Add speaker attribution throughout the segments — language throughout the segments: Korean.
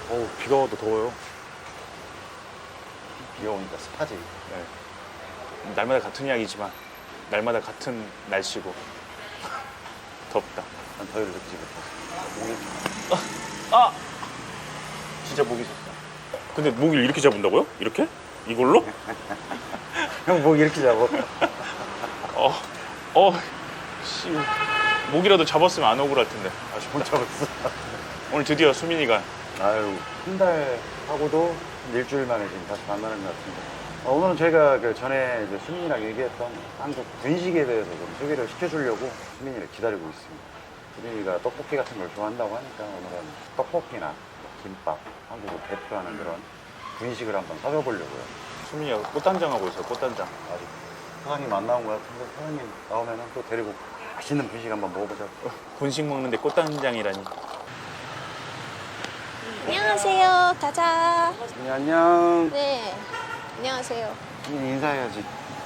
Speaker 1: 어우, 비가 와도 더워요.
Speaker 2: 비가 오니까 습하지.
Speaker 1: 네. 날마다 같은 이야기지만 날마다 같은 날씨고 덥다.
Speaker 2: 난 더위를 느끼지 못해. 목이
Speaker 1: 아!
Speaker 2: 진짜 목이 좋다.
Speaker 1: 근데 목을 이렇게 잡은다고요? 이렇게? 이걸로?
Speaker 2: 형 목 이렇게 잡아.
Speaker 1: 씨. 목이라도 잡았으면 안 억울할 텐데.
Speaker 2: 못 잡았어.
Speaker 1: 오늘 드디어 수민이가
Speaker 2: 아유, 한 달 하고도 일주일 만에 지금 다시 만나는 것 같은데. 오늘은 저희가 그 전에 이제 수민이랑 얘기했던 한국 분식에 대해서 좀 소개를 시켜주려고 수민이를 기다리고 있습니다. 수민이가 떡볶이 같은 걸 좋아한다고 하니까 오늘은 떡볶이나 김밥, 한국을 대표하는 그런 분식을 한번 사줘보려고요.
Speaker 1: 수민이가 꽃단장하고 있어요. 꽃단장.
Speaker 2: 아직 사장님 안 나온 것 같은데 사장님 나오면 또 데리고 맛있는 분식 한번 먹어보자.
Speaker 1: 분식 먹는데 꽃단장이라니.
Speaker 3: 안녕하세요. 가자.
Speaker 2: 수민이 안녕.
Speaker 3: 네. 안녕하세요.
Speaker 2: 수민이 인사해야지.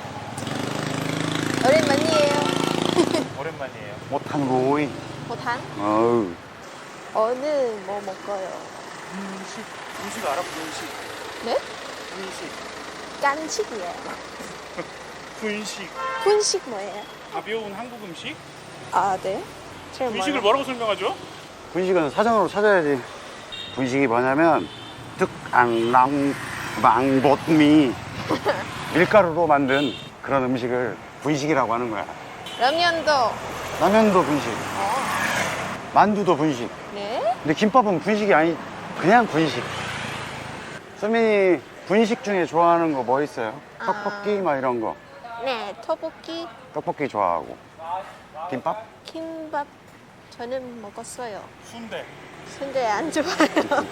Speaker 3: 오랜만이에요.
Speaker 1: 오랜만이에요.
Speaker 2: 못한 거이.
Speaker 3: 보탄?
Speaker 2: 어우.
Speaker 3: 어느 뭐 먹어요?
Speaker 1: 분식 알아? 분식.
Speaker 3: 네?
Speaker 1: 분식.
Speaker 3: 깐식이에요.
Speaker 1: 분식.
Speaker 3: 분식 뭐예요?
Speaker 1: 가벼운 한국 음식?
Speaker 3: 아, 네. 잘
Speaker 1: 분식을
Speaker 3: 몰라요.
Speaker 1: 뭐라고 설명하죠?
Speaker 2: 분식은 사전으로 찾아야지. 분식이 뭐냐면 특앙랑 망봇미 밀가루로 만든 그런 음식을 분식이라고 하는 거야.
Speaker 3: 라면도.
Speaker 2: 라면도 분식, 만두도 분식.
Speaker 3: 네?
Speaker 2: 근데 김밥은 분식이 아니, 그냥 분식. 수민이 분식 중에 좋아하는 거 뭐 있어요? 떡볶이 막 이런 거.
Speaker 3: 네. 떡볶이,
Speaker 2: 떡볶이 좋아하고. 김밥?
Speaker 3: 김밥 저는 먹었어요.
Speaker 1: 순대.
Speaker 3: 근데 안 좋아요.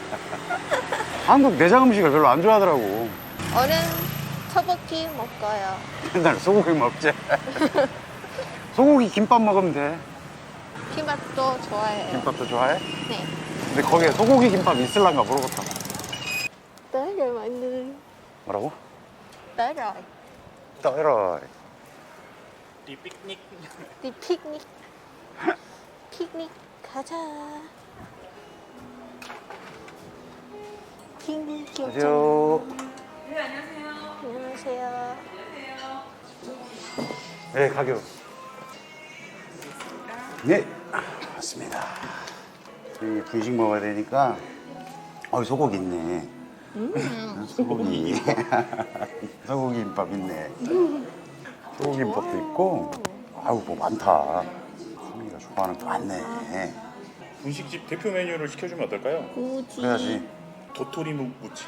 Speaker 2: 한국 내장 음식을 별로 안 좋아하더라고.
Speaker 3: 오늘 떡볶이 먹어요.
Speaker 2: 맨날 소고기 먹지. 소고기 김밥 먹으면 돼.
Speaker 3: 김밥도 좋아해요.
Speaker 2: 김밥도 좋아해?
Speaker 3: 네.
Speaker 2: 근데 거기에 소고기 김밥 있을란가 물어봤다.
Speaker 3: tới rồi mọi người.
Speaker 2: 뭐라고?
Speaker 3: tới rồi.
Speaker 2: 떠이러.
Speaker 1: 리 피크닉.
Speaker 3: đi picnic. picnic 가자. 핑 귀엽죠?
Speaker 2: 안녕하세요.
Speaker 3: 안녕하세요.
Speaker 2: 네, 가격. 네, 맞습니다. 이 분식 먹어야 되니까, 소고기 있네. 소고기. 소고기 김밥 있네. 소고기 김밥도 있고, 아유, 뭐 많다. 수민이가 좋아하는 거 많네.
Speaker 1: 분식집 대표 메뉴를 시켜주면 어떨까요?
Speaker 3: 우지.
Speaker 2: 그래야지.
Speaker 1: 도토리 무침.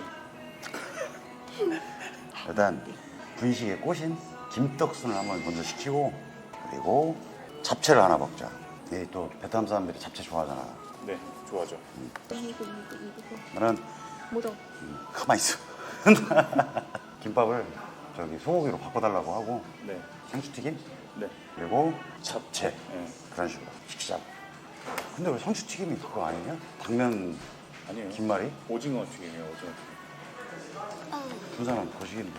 Speaker 2: 일단, 분식의 꽃인 김떡순을 한번 먼저 시키고, 그리고 잡채를 하나 먹자. 이 또 베트남 사람들이 잡채 좋아하잖아.
Speaker 1: 네, 좋아죠.
Speaker 3: 이거.
Speaker 2: 나는
Speaker 3: 물어.
Speaker 2: 가만히 있어. 김밥을 저기 소고기로 바꿔달라고 하고
Speaker 1: 네,
Speaker 2: 상추튀김
Speaker 1: 네.
Speaker 2: 그리고 잡채
Speaker 1: 네.
Speaker 2: 그런 식으로 시키자. 근데 왜 상추튀김이 그거 아니냐? 당면
Speaker 1: 아니에요.
Speaker 2: 김말이?
Speaker 1: 오징어 튀김이에요, 오징어 튀김.
Speaker 2: 군사는 거시기인데.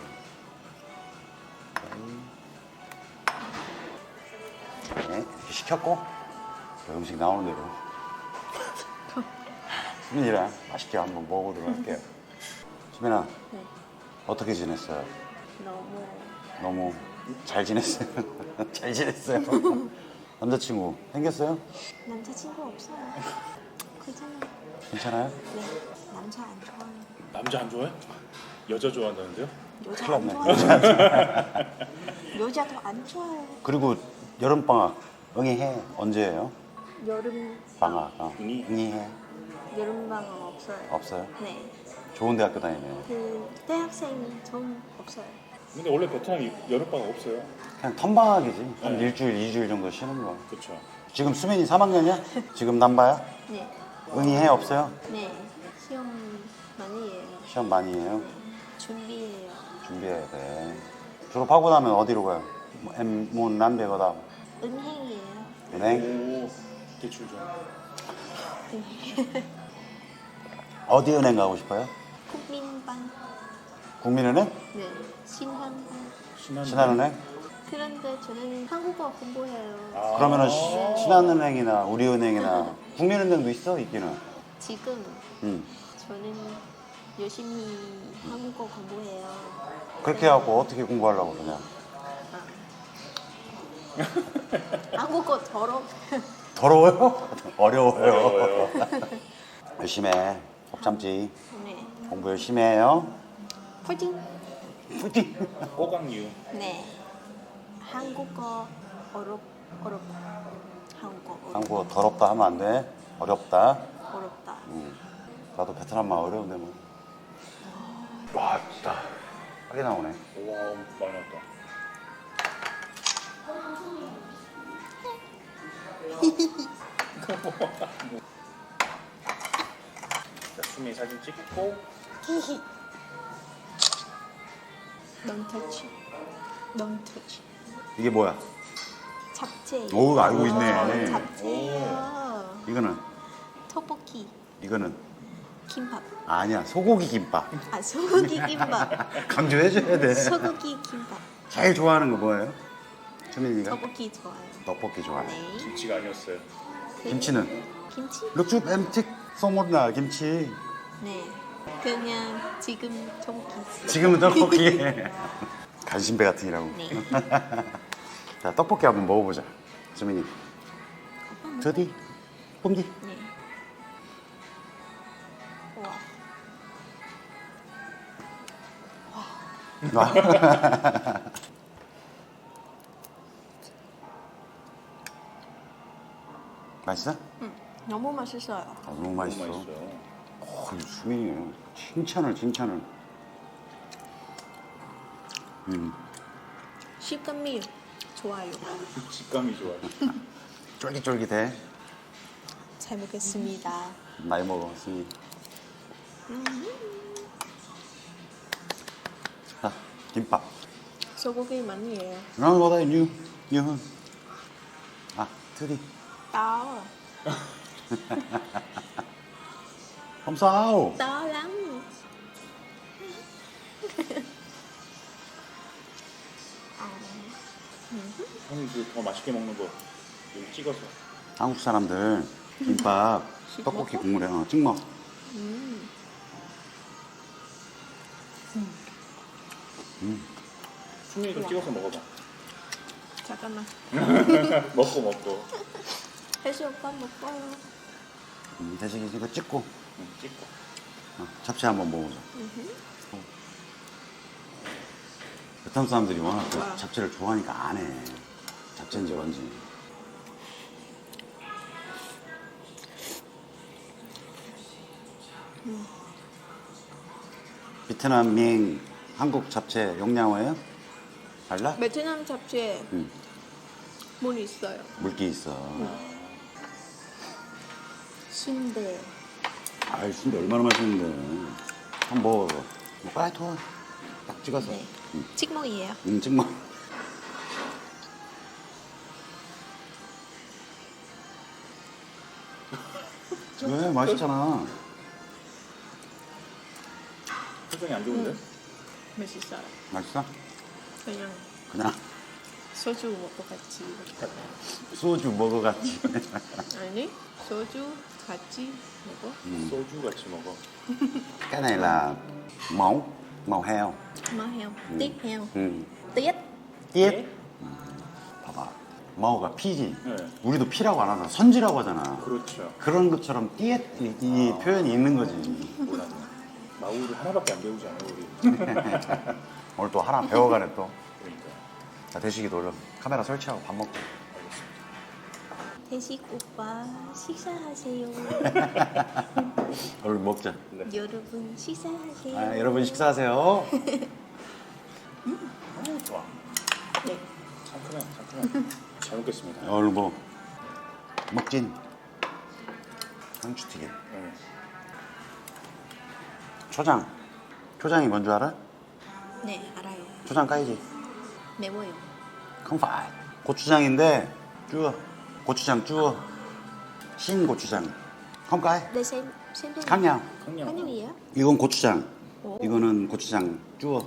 Speaker 2: 네, 이렇게 시켰고 그 음식 나오는 대로 수민이랑 맛있게 한번 먹어보도록 할게요. 수민아,
Speaker 3: 네.
Speaker 2: 어떻게 지냈어요?
Speaker 3: 너무
Speaker 2: 너무 잘 지냈어요? 잘 지냈어요? 남자친구 생겼어요?
Speaker 3: 남자친구 없어요. 괜찮아요.
Speaker 2: 괜찮아요?
Speaker 3: 네. 남자 안 좋아요.
Speaker 1: 남자 안 좋아해? 여자 좋아한다는데요?
Speaker 3: 여자
Speaker 2: 큰일
Speaker 3: 안
Speaker 2: 났네.
Speaker 3: 좋아요. 여자도 안 좋아요.
Speaker 2: 그리고 여름방학 응이해 언제예요?
Speaker 3: 여름
Speaker 2: 방학
Speaker 1: 응이?
Speaker 2: 응이해
Speaker 3: 여름방학 없어요.
Speaker 2: 없어요?
Speaker 3: 네.
Speaker 2: 좋은 대학교 다니네.
Speaker 3: 그 대학생 전 없어요.
Speaker 1: 근데 원래 베트남 여름방학 없어요.
Speaker 2: 그냥 텀방학이지. 한
Speaker 1: 네.
Speaker 2: 일주일, 2주일 정도 쉬는 거.
Speaker 1: 그렇죠.
Speaker 2: 지금 수민이 3학년이야? 지금 남바야?
Speaker 3: 네.
Speaker 2: 응이해 없어요?
Speaker 3: 네. 시험 많이 해요.
Speaker 2: 시험 많이 해요?
Speaker 3: 준비해요.
Speaker 2: 준비해야 돼. 졸업하고 나면 어디로 가요? 뭐 남배거다.
Speaker 3: 은행이에요.
Speaker 2: 은행?
Speaker 1: 오, 대출 좀.
Speaker 2: 어디 은행 가고 싶어요?
Speaker 3: 국민bank.
Speaker 2: 국민은행?
Speaker 3: 네. 신한bank.
Speaker 2: 신한은행?
Speaker 3: 그런데 저는 한국어 공부해요.
Speaker 2: 그러면은 신한은행이나 우리은행이나 국민은행도 있어 있기는.
Speaker 3: 지금
Speaker 2: 응.
Speaker 3: 저는 열심히 한국어 공부해요.
Speaker 2: 그렇게 해갖고 어떻게 공부하려고 그러냐?
Speaker 3: 한국어 더러.
Speaker 2: 더러워요? 어려워요. 열심히 해. 법 참지.
Speaker 3: 네.
Speaker 2: 공부 열심히 해요.
Speaker 3: 파이팅.
Speaker 2: 파이팅!
Speaker 1: 꼬강유.
Speaker 3: 네. 한국어 어렵. 한국어
Speaker 2: 한국어 더럽다 하면 안 돼. 어렵다.
Speaker 3: 어렵다.
Speaker 2: 나도 베트남말 어려운데 뭐. 와, 진짜. 하게 나오네.
Speaker 1: 와, 많이 나왔다. 자, 수미 사진 찍고.
Speaker 3: Don't touch. Don't touch.
Speaker 2: 이게 뭐야?
Speaker 3: 잡채.
Speaker 2: 오, 알고 있네.
Speaker 3: 잡채요.
Speaker 2: 이거는?
Speaker 3: 떡볶이.
Speaker 2: 이거는?
Speaker 3: 김밥.
Speaker 2: 아니야, 소고기 김밥.
Speaker 3: 아 소고기 김밥.
Speaker 2: 강조해줘야 돼.
Speaker 3: 소고기 김밥.
Speaker 2: 제일 좋아하는 거 뭐예요? 수민이가?
Speaker 3: 떡볶이 좋아요.
Speaker 2: 떡볶이 좋아해.
Speaker 3: 네.
Speaker 1: 김치가 아니었어요.
Speaker 2: 김치는?
Speaker 3: 김치?
Speaker 2: 룩주 엠틱 소모나 김치.
Speaker 3: 네. 그냥 지금 떡볶이.
Speaker 2: 지금은 떡볶이. 간신배 같으니라고.
Speaker 3: 네.
Speaker 2: 자, 떡볶이 한번 먹어보자. 수민이. 저디, 뽕기.
Speaker 3: 네. 와.
Speaker 2: 맛있어?
Speaker 3: 너무 맛있어요.
Speaker 2: 아, 너무 맛있어.
Speaker 1: 너무 맛있어요.
Speaker 2: 수민이 칭찬을.
Speaker 3: 식감이 좋아요.
Speaker 1: 식감이 좋아요.
Speaker 2: 쫄깃쫄깃해.
Speaker 3: 잘 먹겠습니다.
Speaker 2: 많이 먹어, 수민이. 자, 김밥.
Speaker 3: 소고기 많이 해요.
Speaker 2: 뭐다, 유훈. 아, 트리.
Speaker 3: To.
Speaker 2: Không sao.
Speaker 3: To lắm.
Speaker 1: 형이 더 맛있게 먹는 거 여기 찍어서.
Speaker 2: 한국 사람들 김밥,
Speaker 3: 찍먹어?
Speaker 2: 떡볶이 국물에 찍먹.
Speaker 1: 수미도 찍어서 먹어봐.
Speaker 3: 잠깐만.
Speaker 1: 먹고.
Speaker 3: 혜수 오빠 먹어요.
Speaker 2: 대신 이거 찍고
Speaker 1: 응, 찍고.
Speaker 2: 잡채 한번 먹어보자. 베트남 사람들이 워낙 그
Speaker 3: 와.
Speaker 2: 잡채를 좋아하니까 안 해. 잡채인지 뭔지. 베트남 밍 한국 잡채 용량어예요? 달라?
Speaker 3: 베트남 잡채
Speaker 2: 응.
Speaker 3: 물 있어요.
Speaker 2: 물기 있어.
Speaker 3: 순대.
Speaker 2: 아이 순대 얼마나 맛있는데. 한번 먹어. 뭐 빨리 토. 딱 찍어서.
Speaker 3: 네. 찍먹이에요.
Speaker 2: 찍먹. 왜 맛있잖아.
Speaker 1: 표정이 안 좋은데?
Speaker 3: 맛있어요.
Speaker 2: 맛있어?
Speaker 3: 그냥
Speaker 2: 그냥
Speaker 3: 소주 먹고 같이.
Speaker 2: 소주 먹어갔지.
Speaker 3: 아니 소주 같이 먹어.
Speaker 1: 소주 같이 먹어.
Speaker 2: Cái này là màu heo.
Speaker 3: Mỡ heo, tiết heo,
Speaker 2: 음.
Speaker 3: tiết.
Speaker 2: 띠엣. 봐봐. 마오가 피지.
Speaker 1: 네.
Speaker 2: 우리도 피라고 안 하잖아. 선지라고 하잖아.
Speaker 1: 그렇죠.
Speaker 2: 그런 것처럼 띠엣 이 표현이 있는 거지.
Speaker 1: 몰랐네. 마우를 하나밖에 안 배우지 않아요, 우리.
Speaker 2: 오늘 또 하나 배워가네 또.
Speaker 1: 그러니까.
Speaker 2: 자, 대식이 돌려. 카메라 설치하고 밥 먹고.
Speaker 3: 대식 오빠 식사하세요.
Speaker 2: 얼른 먹자.
Speaker 3: 여러분 식사하세요.
Speaker 2: 아, 여러분 식사하세요.
Speaker 1: 좋아.
Speaker 3: 네.
Speaker 1: 상큼해. 잘 먹겠습니다.
Speaker 2: 얼른 먹어. 먹진. 상추튀김.
Speaker 1: 네.
Speaker 2: 초장. 초장이 뭔 줄 알아?
Speaker 3: 네 알아요.
Speaker 2: 초장 까이지.
Speaker 3: 매워요.
Speaker 2: Không phải. 고추장인데 chua. 고추장 chua. 신 고추장. Không cay.
Speaker 3: Đây xem thêm.
Speaker 2: khác nhau.
Speaker 3: Khác nhau gì á?
Speaker 2: 이건 고추장.
Speaker 3: 오.
Speaker 2: 이거는 고추장 chua.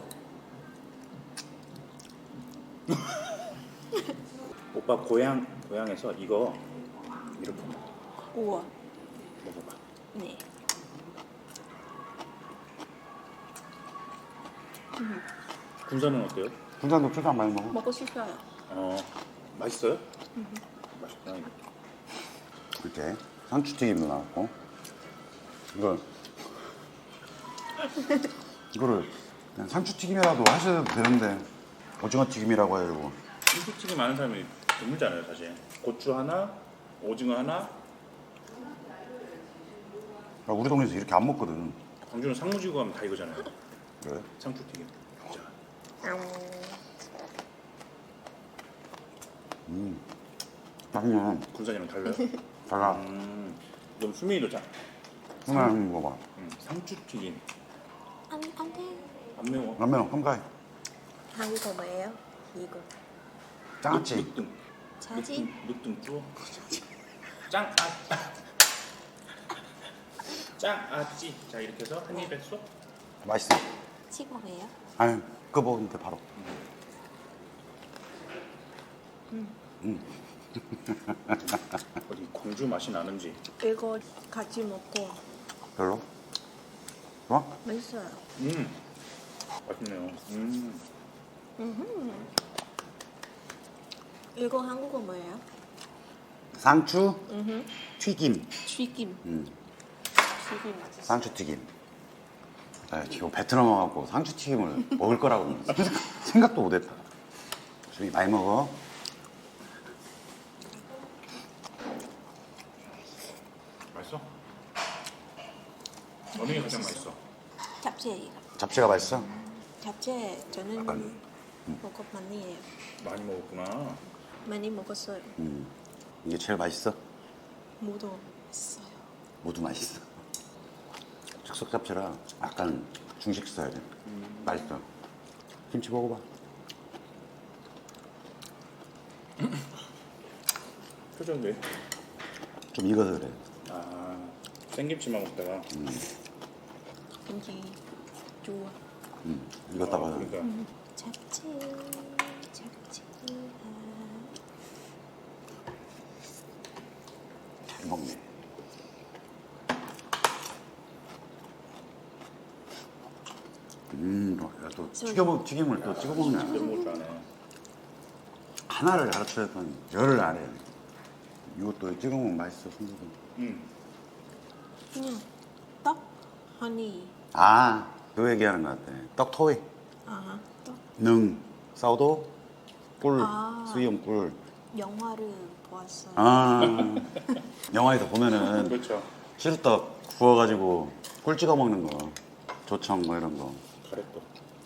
Speaker 1: 오빠 고향에서 이거 이렇게
Speaker 3: 우와.
Speaker 1: 먹어봐.
Speaker 3: 네.
Speaker 1: 군산은 어때요?
Speaker 2: 군산도 초장 많이 먹어.
Speaker 3: 먹고 싶어요.
Speaker 1: 맛있어요? 맛있구나. 이거.
Speaker 2: 이렇게 상추튀김도 나왔고 이거를 그냥 상추튀김이라도 하셔도 되는데 오징어 튀김이라고 해가지고
Speaker 1: 김치찌개 많은 사람이 드물잖아요, 사실. 고추 하나, 오징어 하나.
Speaker 2: 우리 동네에서 이렇게 안 먹거든.
Speaker 1: 광주는 상무지구 가면 다 이거잖아요.
Speaker 2: 그래?
Speaker 1: 상추튀김. 자,
Speaker 2: 맛있네.
Speaker 1: 군산이랑 달라요?
Speaker 2: 달라.
Speaker 1: 그럼 수민이도 자.
Speaker 2: 하나 먹어봐.
Speaker 1: 상추튀김.
Speaker 3: 안 돼.
Speaker 1: 안 매워.
Speaker 2: 라면 한 가위.
Speaker 3: 한국어 뭐예요? 이거.
Speaker 2: 짱아찌.
Speaker 1: 늑등.
Speaker 3: 자지?
Speaker 1: 늑등 쭈어. 짱아찌. 자, 이렇게 해서 한 입에 쏙.
Speaker 2: 맛있어.
Speaker 3: 찍어예요?
Speaker 2: 아니 그거 먹으면 돼 바로.
Speaker 1: 어디 광주 맛이 나는지.
Speaker 3: 이거 같이 먹고
Speaker 2: 별로? 좋아?
Speaker 3: 맛있어요.
Speaker 1: 맛있네요.
Speaker 3: 이거 한국어 뭐예요?
Speaker 2: 상추 튀김.
Speaker 3: 튀김. 튀김 맛있어.
Speaker 2: 상추 튀김. 나 지금 베트남 와갖고 상추 튀김을 먹을 거라고 생각도 못했다. 저기 많이 먹어.
Speaker 1: 맛있어? 어느 게 가장 맛있어?
Speaker 3: 잡채.
Speaker 2: 잡채가 맛있어?
Speaker 3: 잡채 저는
Speaker 2: 약간,
Speaker 3: 먹어 많이 해요.
Speaker 1: 많이 먹었구나.
Speaker 3: 많이 먹었어요.
Speaker 2: 이게 제일 맛있어?
Speaker 3: 모두 있어요.
Speaker 2: 모두 맛있어. 즉석 잡채라 약간 중식 스타일이야. 맛있어. 김치 먹어봐.
Speaker 1: 표정 왜?
Speaker 2: 좀 익어서 그래.
Speaker 1: 생김치만 먹다가.
Speaker 3: 김치 좋아.
Speaker 2: 익었다가.
Speaker 1: 그러니까.
Speaker 3: 잡채.
Speaker 2: 잘 먹네. 야, 또 튀김을 또 찍어 먹네.
Speaker 1: 너무 먹을 줄 아네.
Speaker 2: 하나를 가르쳐줬더니 열을 안 해. 이것도 찍어 먹으면 맛있어, 순두부.
Speaker 3: 그냥 떡, 허니.
Speaker 2: 그 얘기하는 것 같아. 떡 토이,
Speaker 3: 떡.
Speaker 2: 능, 사우도, 꿀, 수염 꿀.
Speaker 3: 영화를 보았어요.
Speaker 2: 영화에서 보면은
Speaker 1: 그렇죠.
Speaker 2: 시루떡 구워가지고 꿀 찍어 먹는 거, 조청 뭐 이런 거.
Speaker 1: 가래떡.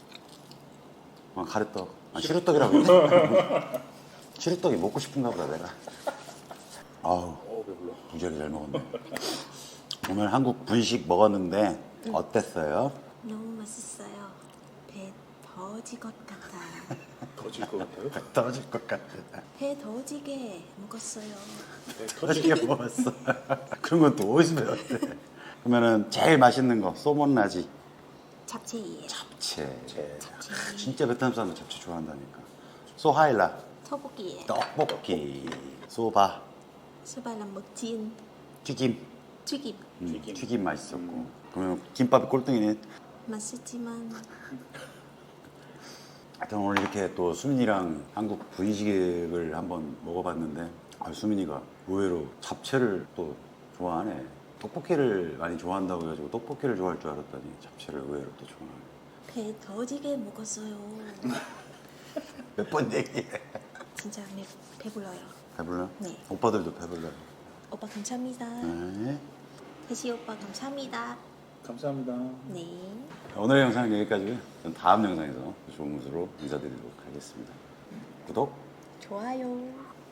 Speaker 2: 가래떡. 시루떡이라고. 그래. 시루떡이 먹고 싶은가 보다 내가. 아우,
Speaker 1: 배불러.
Speaker 2: 무지하게 잘 먹었네. 오늘 한국 분식 먹었는데 어땠어요?
Speaker 3: 너무 맛있어요. 배 더질 것 같아요.
Speaker 1: 터질 것 같아요?
Speaker 2: 떨어질 것 같아.
Speaker 3: 배 더지게 먹었어요.
Speaker 1: 네,
Speaker 2: 터지게 먹었어. 그런 건 또 어디서 배웠대? 그러면은 제일 맛있는 거 소몬라지.
Speaker 3: 잡채예요.
Speaker 2: 잡채. 진짜 베트남 사람들 잡채 좋아한다니까. 소하일라.
Speaker 3: 떡볶이예요.
Speaker 2: 떡볶이. 소바.
Speaker 3: 수발랑 먹진
Speaker 2: 튀김.
Speaker 3: 튀김.
Speaker 2: 튀김 맛있었고. 그러면 김밥이 꼴등이네.
Speaker 3: 맛있지만
Speaker 2: 하여튼 오늘 이렇게 또 수민이랑 한국 분식을 한번 먹어봤는데 수민이가 의외로 잡채를 또 좋아하네. 떡볶이를 많이 좋아한다고 해가지고 떡볶이를 좋아할 줄 알았더니 잡채를 의외로 또 좋아하네.
Speaker 3: 배 더지게 먹었어요.
Speaker 2: 몇 번 얘기해.
Speaker 3: 진짜 배불러요.
Speaker 2: 배불러?
Speaker 3: 네.
Speaker 2: 오빠들도 배불러요.
Speaker 3: 오빠 감사합니다.
Speaker 2: 네.
Speaker 3: 대시 오빠 감사합니다.
Speaker 1: 감사합니다.
Speaker 3: 네.
Speaker 2: 오늘의 영상은 여기까지고요. 전 다음 영상에서 좋은 모습으로 인사드리도록 하겠습니다. 구독,
Speaker 3: 좋아요.